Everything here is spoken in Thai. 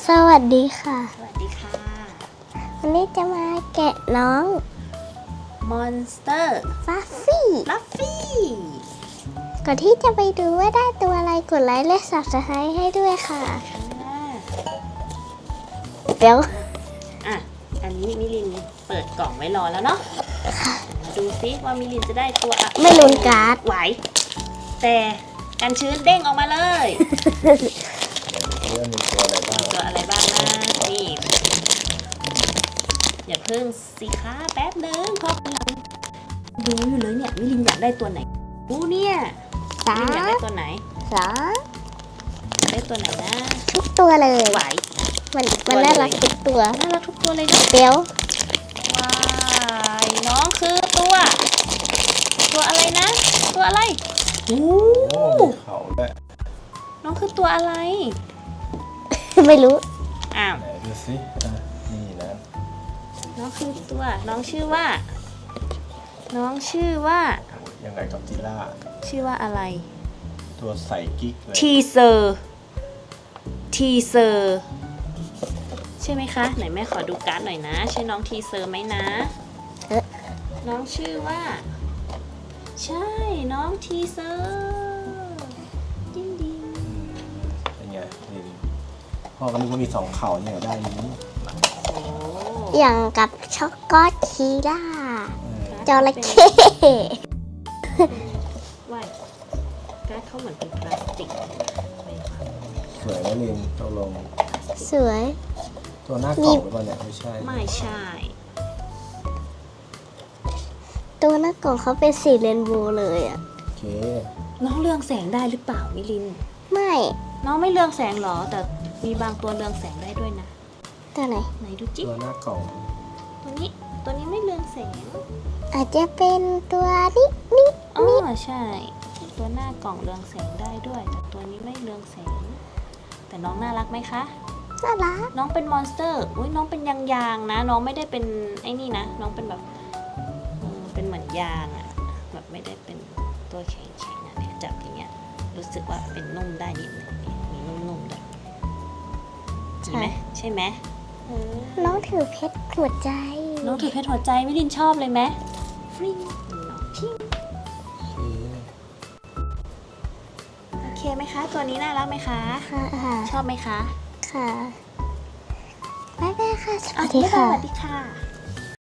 สวัสดีค่ะสวัสดีค่ะวันนี้จะมาแกะน้องมอนสเตอร์ฟัฟฟี่ลัฟฟี่ก่อนที่จะไปดูว่าได้ตัวอะไรกดไลค์และ Subscribe ให้ด้วยค่ะ เดี๋ยวอ่ะ อันนี้มิลินเปิดกล่องไว้รอแล้วเนาะมาดูซิว่ามิลินจะได้ตัวอะไรไม่ลุ้นการ์ดไหว แต่กันชื้นเด้งออกมาเลยเรื่องมีตัวอะไรบ้างตัวอะไรบ้างนะนี่อย่าเพิ่งสิคะแป๊บนึงเพราะกำลังดูอยู่เลยเนี่ยมิลินอยากได้ตัวไหนดูเนี่ยสามิลินอยากได้ตัวไหนสาอยากได้ตัวไหนนะทุกตัวเลยไหวมันน่ารักทุกตัวน่ารักทุกตัวเลยเนาะเดี๋ยวว้ายน้องคือตัวอะไรนะ ตัวอะไรโอ้โอ้มีเขาด้วยน้องคือตัวอะไรไม่รู้อ้าวไหนดูสิอ่ะนี่นะน้องคือตัวน้องชื่อว่า น้องชื่อว่าโอ้ยยังไงกับจิล่าชื่อว่าอะไรตัวใส่กิ๊กเลยทีเซอร์ใช่ไหมคะไหนแม่ขอดูการ์ดหน่อยนะใช่น้องทีเซอร์ไหมนะเอ๊ะน้องชื่อว่า ใช่น้องทีเซอร์ดิ้งดิ้งเป็นไงนี่พ่อก็นึกว่ามีสองเข่าเนี่ยได้นี้โอ้อย่างกับช็อกโกแลตคีล่า จระเข้ว่ายการ์ดเขาเหมือนเป็นพลาสติกสวยไหมลินตกลงสวยตัวหน้ากล่องหรือเปล่าเนี่ยไม่ใช่ไม่ใช่ตัวหน้ากล่องเขาเป็นสีเรนโบว์เลยอ่ะโอเคน้องเรืองแสงได้หรือเปล่ามิลินไม่น้องไม่เรืองแสงหรอ แต่มีบางตัวเรืองแสงได้ด้วยนะตัวไหนไหนดูจิ๊ตัวหน้ากล่องตัวนี้ไม่เรืองแสงอาจจะเป็นตัวนี้อ๋อใช่ ตัวหน้ากล่องเรืองแสงได้ด้วย แต่ตัวนี้ไม่เรืองแสง แต่น้องน่ารักไหมคะน่ารักน้องเป็นมอนสเตอร์อุ้ยน้องเป็นยางๆนะ น้องไม่ได้เป็นไอ้นี่นะ น้องเป็นแบบเป็นเหมือนยางอะแบบไม่ได้เป็นตัวแข็งๆอะเนี่ยจับอย่างเงี้ย รู้สึกว่าเป็นนุ่มได้นิดนึงมีนุ่มๆด้วยใช่ไหมใช่ไหมน้องถือเพชรหัวใจน้องถือเพชรหัวใจมิลินชอบเลยไหมฟริ้งน้องพิงโอเคโอเคไหมคะ ตัวนี้น่ารักไหมคะค่ะชอบไหมคะค่ะบ๊ายบายค่ะ สอ่ะวัสดีบ๊ายบายค่ะสวัสดีค่ะ